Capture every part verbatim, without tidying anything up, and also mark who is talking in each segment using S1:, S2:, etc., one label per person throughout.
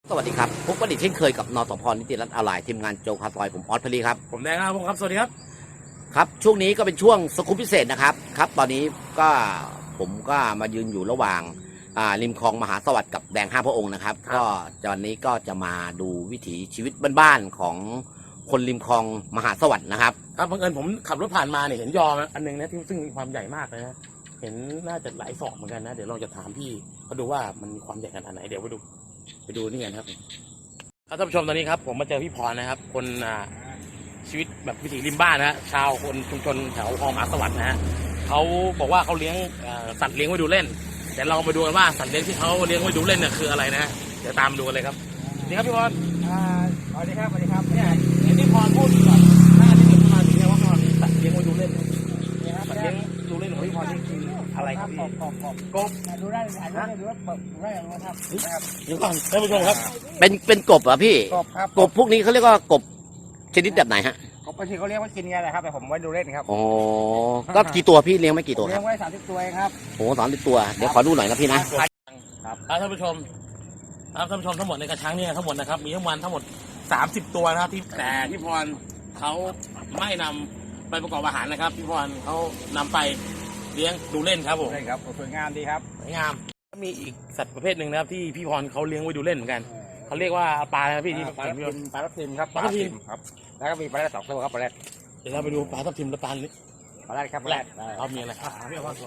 S1: สวัสดีครับพบกันอีกเช่นเคยกับนสพนิติรัตน์ออนไลน์ทีมงานโจคาซอยผมออสพลีครับ
S2: ผมแดงครับผมครับสวัสดีครับ
S1: ครับช่วงนี้ก็เป็นช่วงสกู๊ปพิเศษนะครับครับตอนนี้ก็ผมก็มายืนอยู่ระหว่างริมคลองมหาสวัสดิ์กับแดงห้าพระองค์นะครับก็ตอนนี้ก็จะมาดูวิถีชีวิตบ้านๆของคนริมคลองมหาสวัสดิ์นะครับ
S2: ครับบังเอิญผมขับรถผ่านมาเนี่ยเห็นยออันนึงนะที่ซึ่งมีความใหญ่มากเลยนะเห็นน่าจะหลายศอกเหมือนกันนะเดี๋ยวเราจะถามพี่เขาดูว่ามันมีความใหญ่ขนาดไหนเดี๋ยวไปดูไปดูนี่กันครับท่านผู้ชมตอนนี้ครับผมมาเจอพี่พรนะครับคนชีวิตแบบวิถีริมบ้านนะชาวคนชุมชนแถวคลองมหาสวัสดิ์นะฮะเขาบอกว่าเขาเลี้ยงสัตว์เลี้ยงไว้ดูเล่นเดี๋ยวเราไปดูกันว่าสัตว์เลี้ยงที่เขาเลี้ยงไว้ดูเล่นเนี่ยคืออะไรนะเดี๋ยวตามดูกันเลยครับนี่ครับพี่พร
S3: สวัสดีครับสวัสดีครับเนี่ย
S2: เห็นพี่พรพูดก่อนหน้าที่เกิดมาถึงเนี่ยว่าพี่พรสัตว์เลี้ยงไว้ดูเล่นสัตว์เลี้ยงดูเล่นของพี่พรนี่คืออะไรครับพี่
S3: กบกบกบดูได้ดูได้ดูได้ดูได้นะครับ
S2: เดี๋ยวก่อนท่านผู้ชมครับ
S1: เป็นเป็นกบเหรอพี่
S3: กบครับ
S1: กบพวกนี้เขาเรียกว่ากบชนิดแบบไหนฮะ
S3: กบบางทีเขาเลี้ยงไว้กินกันนะครับแต่ผมไว้ดูเล่นครับ
S1: อ๋อก็กี่ตัวพี่เลี้ยงไม่กี่ตัว
S3: เลี้ยงไว้สามสิบตัวครับ
S1: โอ้สามสิบตัวเดี๋ยวขอดูหน่อยนะพี่นะ
S2: ครับท่านผู้ชมท่านผู้ชมทั้งหมดในกระชังเนี่ยทั้งหมดนะครับมีทั้งวันทั้งหมดสามสิบตัวนะครับที่แต่พี่พรเขาไม่นำไปประกอบอาหารนะครับพี่พรเขานำไปเลี้ยงดูเล่นครับผม
S3: ใช่ครับสวยงามดีครับ
S2: สวยงามมีอีกสัตว์ประเภทหนึ่งนะครับที่พี่พรเขาเลี้ยงไว้ดูเล่นเหมือนกันเขาเรียกว่าปลาอะไรพี่ที่
S3: ปลาทับทิมปลาทับทิมครับ
S2: ปลาทับทิม
S3: ครับแล้วก็มีปลาแรดสองตัวครับปลาแรด
S2: เดี๋ยวเราไปดูปลาทับทิมและปลานี้
S3: ปลาแรดครับปลาแรด
S2: เรามีอะไรครับพี่พร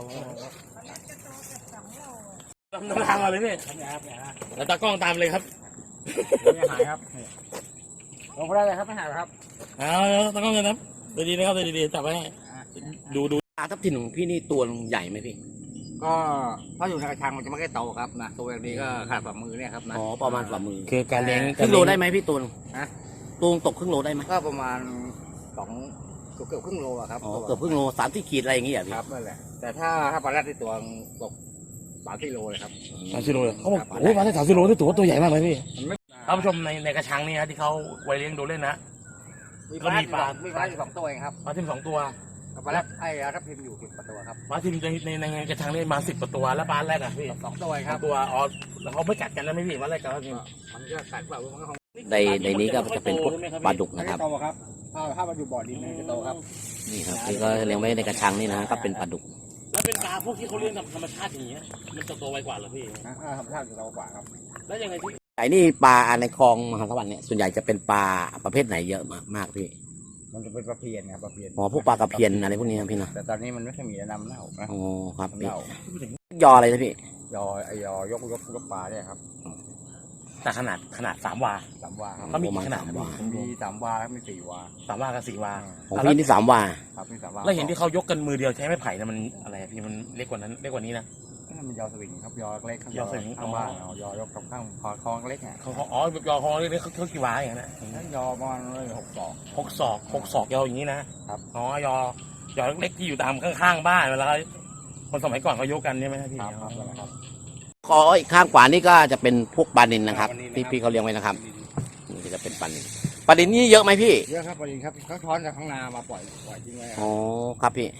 S2: เราน้ำทางมาเลยพี่แล้วตากล้องตามเลยครับ
S3: ไม่หายครับลงไปได้เลยครับไม่หายครับ
S2: เอาตากล้องเลยนะดีๆนะครับดีๆจับไว้ดูดู
S1: ปลาทับทิมของพี่นี่ตัวใหญ่ไหมพี่
S3: ก็เพราะอยู่ในกระชังมันจะไม่ค่อยโตครับนะตัวแบบนี้ก็ขาดฝ่ามือเนี่ยครับนะ
S1: อ๋อประมาณฝ่ามือ
S2: คือการเลี้ยง
S1: ครึ่งโลได้ไหมพี่ตูน
S3: นะ
S1: ตูนตกครึ่งโลได้ไหม
S3: ก็ประมาณสองเกือบเกือบครึ่งโลอะครับ
S1: อ๋อเกือบครึ่งโลสามที่ขีดอะไรอย่างเงี้ยพี่
S3: ครับนั่นแหละแต่ถ้าถ้าปลาแรดที่ตัวตกสามกิโลเลยครับ
S2: สามกิโลเลยเขาบอกโอ้ยปลาได้สามกิโลที่ตัวตัวใหญ่มากเลยพี่ท่านผู้ชมในในกระชังนี่นะที่เขาไว้เลี้ยงดูเล่นนะ
S3: ก็มีปลามีปลาอยู่สองตัวเองครับ
S2: ปลาทิมสองตัว
S3: ปลาแรดไอ้ทับทิมอยู่สิบตัวครับ
S2: ปลาทิมในในในกระชังนี่มาสิบตัวแล้วปลาแรดอ่ะพี่
S3: สองตัวครับ
S2: ตัวอ๋อแล้วเขาไม่กัดกันนะไม่พี่ปลาแรดกับปลาทิม
S3: มันก็กัดเปล่ามันก็
S1: ในในนี้ก็จะเป็นพวกปลาดุกนะครับ
S3: โตครับถ้าถ้ามันอยู่บ่อดินมันจะโตครับ
S1: นี่ครับนี่ก็เลี้ยงไว้ในกระชังนี่นะก็เป็นปลาดุก
S2: แล้วเป็นปลาพวกที่เขาเลี้ยงธรรมชาติอย่างเงี้ยมันจะโตไวกว่าเหรอพี่
S3: อ่าธรรมชาติจะโตกว่าครับ
S2: แล้วยังไงที่
S1: ไอ้นี่ปลาในคลองมหาสวัสดิ์เนี่ยส่วนใหญ่จะเป็นปลาประเภทไหนเยอะมากมากพี่
S3: มันจะเป็นปลาเพียนครับปลาเพียน
S1: อ๋อพวกปลากระเพียนอะไรพวกนี้นะพี่นะ
S3: แต่ตอนนี้มันไม่ค่อยมีน้ำเน่านะ
S1: อ๋อครับพี่ยออะไรนะพี่
S3: ยอไอยอยกยกยกปลาเนี่ยครับ
S2: แต่ขนาดขนาดสามวา
S3: สามวา
S2: เขามีขนาด
S3: มีสามวาแล้วมีสี่วา
S2: สามวากับสี่วา
S1: ของพี่นี่สามวา
S3: ครับมีสามวา
S2: แล้วเห็นที่เขายกกันมือเดียวใช้ไม้ไผ่นะมันอะไรพี่มันเล็กกว่านั้นเล็กกว่านี้นะ
S3: มันยอสวิงครับยอเล็ก
S2: ยอสวิง
S3: ข้างบ้านยอยกตรงข้างคอคอเล็กเนี่ย
S2: เขาอ๋อยอคอเล็กเขากี่วาอย่าง
S3: นั้นยอประมาณหกศอก
S2: หกศอกหกศอกยออย่างนี้นะครับอ๋อยอยอเล็กที่อยู่ตามข้างๆบ้านเวลาคนสมัยก่อนเขายกกันใช่ไหมพี่
S3: ครับ
S1: คออีกข้างขวานี่ก็จะเป็นพวกปลานิลนะครับที่พี่เขาเลี้ยงไว้นะครับนี่จะเป็นปลานิลปลานิลนี่เยอะไหมพี่
S3: เยอะครับปลานิลครับเขาช้อนจากข้างนามาปล่อยปล่อยทิ้งไว้
S1: อ๋อครับพี่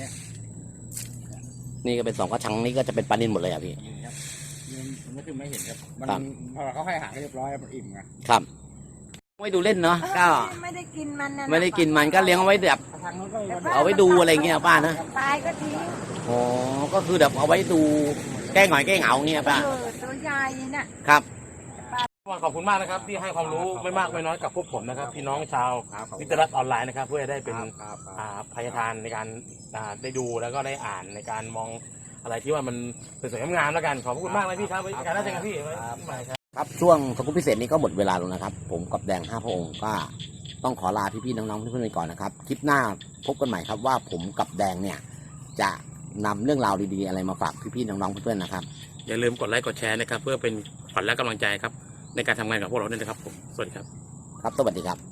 S1: นี่ก็เป็นสองกระชังนี่ก็จะเป็นปลานิลหมดเลยอ่ะพี่
S3: มันไม่คือไม่เห็นครับมันพอเขาให้อาหารเรียบร้อยมันอิ่มไง
S1: ครับไม่ดูเล่นเนาะก็
S4: ไม่ได้กินมัน
S1: ไม่ได้กินมันก็เลี้ยงเอาไว้แบบเอาไว้ดูอะไรเงี้ยป้านะ
S4: ตายก็ทิ้ง
S1: อ๋อก็คือแบบเอาไว้ดูแก้หงอยแก้เหงาเงี้ยป้า
S4: ตัวใหญ่น่ะ
S1: ครับ
S2: ขอบคุณมากนะครับที่ให้ความรู้ไม่มากไม่น้อยกับพวกผมนะครับพี่น้องชาวนิติรัตน์ออนไลน์นะครับเพื่อได้เป็นพยาทานในการได้ดูแล้วก็ได้อ่านในการมองอะไรที่ว่ามันสวยงามแล้วกันขอบคุณมากเลยพี่ครับการน่าจะกันพี่
S1: ครับช่วงสกู๊ปพิเศษนี้ก็หมดเวลาแล้วนะครับผมกับแดงห้าพระองค์ก็ต้องขอลาพี่ๆน้องๆเพื่อนๆไปก่อนนะครับคลิปหน้าพบกันใหม่ครับว่าผมกับแดงเนี่ยจะนำเรื่องราวดีๆอะไรมาฝากพี่ๆน้องๆเพื่อนๆนะครับ
S2: อย่าลืมกดไลค์กดแชร์นะครับเพื่อเป็นขวัญและกำลังใจครับในการทำงานกับพวกเราด้วยนะครับผมสวัสดีครับ
S1: ครับสวัสดีครับ